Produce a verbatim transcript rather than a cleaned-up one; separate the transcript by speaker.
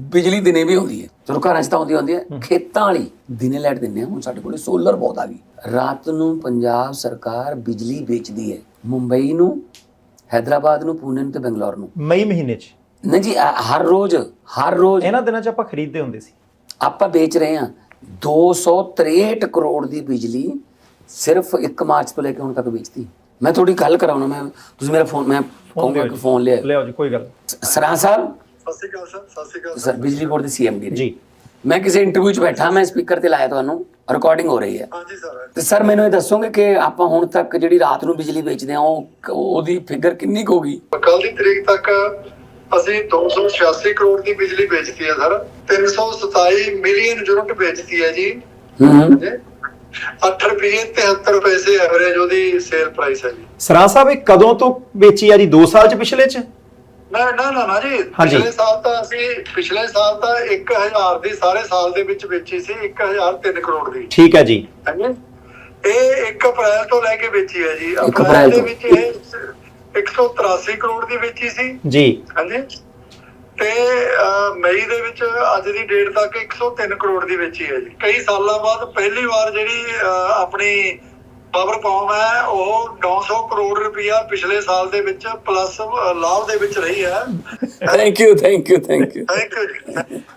Speaker 1: ਬਿਜਲੀ ਦਿਨੇ ਵੀ ਆਉਂਦੀ ਹੈ, ਚਲੋ ਘਰਾਂ 'ਚ ਤਾਂ ਆਉਂਦੀ ਆਉਂਦੀ ਹੈ, ਖੇਤਾਂ ਵਾਲੀ ਦਿਨੇ ਲਾਈਟ ਦਿੰਦੇ ਆ। ਹੁਣ ਸਾਡੇ ਕੋਲ ਸੋਲਰ ਬਹੁਤ ਆ ਗਈ, ਰਾਤ ਨੂੰ ਪੰਜਾਬ ਸਰਕਾਰ ਬਿਜਲੀ ਵੇਚਦੀ ਹੈ ਮੁੰਬਈ ਨੂੰ, ਹੈਦਰਾਬਾਦ ਨੂੰ, ਪੂਨੇ ਨੂੰ ਤੇ ਬੰਗਲੌਰ ਨੂੰ।
Speaker 2: ਮਈ ਮਹੀਨੇ 'ਚ
Speaker 1: ਨਹੀਂ ਜੀ, ਹਰ ਰੋਜ਼ ਹਰ ਰੋਜ਼
Speaker 2: ਇਹਨਾਂ ਦਿਨਾਂ 'ਚ ਆਪਾਂ ਖਰੀਦਦੇ ਹੁੰਦੇ ਸੀ।
Speaker 1: ਆਪਾਂ ਵੇਚ ਰਹੇ ਹਾਂ ਦੋ ਸੌ ਤਰੇਹਠ ਕਰੋੜ ਦੀ ਬਿਜਲੀ ਸਿਰਫ ਇੱਕ ਮਾਰਚ ਤੋਂ ਲੈ ਕੇ ਹੁਣ ਤੱਕ ਵੇਚਤੀ। ਮੈਂ ਥੋੜੀ ਗੱਲ ਕਰਾਉਣਾ, ਮੈਂ ਤੁਸੀਂ ਮੇਰਾ ਫੋਨ, ਮੈਂ ਕਹੂੰਗਾ ਕਿ ਫੋਨ ਲਿਆ
Speaker 2: ਲਿਆਓ ਜੀ, ਕੋਈ ਗੱਲ।
Speaker 1: ਸਰਾਂ ਸਾਹਿਬ,
Speaker 3: ਸਤਿ ਸ਼੍ਰੀ ਅਕਾਲ ਸਰ। ਸਤਿ ਸ਼੍ਰੀ ਅਕਾਲ
Speaker 1: ਸਰ, ਬਿਜਲੀ ਬੋਰਡ ਦੇ ਸੀਐਮਡੀ
Speaker 2: ਜੀ।
Speaker 1: ਮੈਂ ਕਿਸੇ ਇੰਟਰਵਿਊ 'ਚ ਬੈਠਾ, ਮੈਂ ਸਪੀਕਰ ਤੇ ਲਾਇਆ, ਤੁਹਾਨੂੰ ਰਿਕਾਰਡਿੰਗ ਹੋ ਰਹੀ ਹੈ।
Speaker 3: ਹਾਂਜੀ ਸਰ।
Speaker 1: ਤੇ ਸਰ ਮੈਨੂੰ ਇਹ ਦੱਸੋਗੇ ਕਿ ਆਪਾਂ ਹੁਣ ਤੱਕ ਜਿਹੜੀ ਰਾਤ ਨੂੰ ਬਿਜਲੀ ਵੇਚਦੇ ਆ ਉਹ ਉਹਦੀ ਫਿਗਰ ਕਿੰਨੀ ਕੁ ਹੋਗੀ?
Speaker 3: ਕੱਲ ਦੀ ਤਰੀਕ ਤੱਕ ਅਸੀਂ ਦੋ ਸੌ ਛਿਆਸੀ ਕਰੋੜ ਦੀ ਬਿਜਲੀ ਵੇਚਤੀ ਹੈ ਸਰ। ਤਿੰਨ ਸੌ ਸਤਾਈ ਮਿਲੀਅਨ ਯੂਨਿਟ ਵੇਚਤੀ ਹੈ ਜੀ।
Speaker 1: ਹੂੰ,
Speaker 3: ਅੱਠ ਰੁਪਏ ਤਿਹੱਤਰ ਪੈਸੇ ਐਵਰੇਜ ਉਹਦੀ ਸੇਲ ਪ੍ਰਾਈਸ ਹੈ ਜੀ।
Speaker 2: ਸਰਾਂ ਸਾਹਿਬ ਇਹ ਕਦੋਂ ਤੋਂ ਵੇਚੀ ਆ ਜੀ? ਦੋ ਸਾਲ 'ਚ, ਪਿਛਲੇ 'ਚ?
Speaker 3: ਨਾ ਨਾ ਨਾ ਨਾ ਜੀ, ਪਿਛਲੇ ਸਾਲ ਤਾਂ ਅਸੀਂ ਪਿਛਲੇ ਸਾਲ ਤਾਂ ਇੱਕ ਹਜ਼ਾਰ ਦੀ ਸਾਰੇ ਸਾਲ ਦੇ ਵਿੱਚ ਵੇਚੀ ਸੀ, ਇੱਕ ਹਜ਼ਾਰ ਤਿੰਨ ਕਰੋੜ ਦੀ।
Speaker 2: ਠੀਕ ਹੈ ਜੀ।
Speaker 3: ਹਾਂਜੀ, ਇਹ ਇੱਕ ਅਪ੍ਰੈਲ ਤੋਂ ਲੈ ਕੇ ਵੇਚੀ ਹੈ ਜੀ।
Speaker 1: ਇੱਕ
Speaker 3: ਅਪ੍ਰੈਲ
Speaker 1: ਅਪ੍ਰੈਲ
Speaker 3: ਦੇ
Speaker 1: ਤੋਂ।
Speaker 3: ਵਿੱਚ ਇਹ ਇੱਕ ਸੌ ਤਰਾਸੀ ਕਰੋੜ ਦੀ ਵੇਚੀ ਸੀ
Speaker 2: ਜੀ।
Speaker 3: ਹਾਂਜੀ, ਤੇ ਅਹ, ਮਈ ਦੇ ਵਿੱਚ ਅੱਜ ਦੀ ਡੇਟ ਤੱਕ ਇੱਕ ਸੌ ਤਿੰਨ ਕਰੋੜ ਦੀ ਵੇਚੀ ਹੈ ਜੀ। ਕਈ ਸਾਲਾਂ ਬਾਅਦ ਪਹਿਲੀ ਵਾਰ ਜਿਹੜੀ ਅਹ, ਆਪਣੀ ਪਾਵਰ ਕੌਮ ਹੈ ਉਹ ਨੌ ਸੌ ਕਰੋੜ ਰੁਪਇਆ ਪਿਛਲੇ ਸਾਲ ਦੇ ਵਿੱਚ ਪਲੱਸ ਲਾਭ ਦੇ ਵਿੱਚ ਰਹੀ ਹੈ।
Speaker 1: Thank you thank you thank you
Speaker 3: thank you ਜੀ।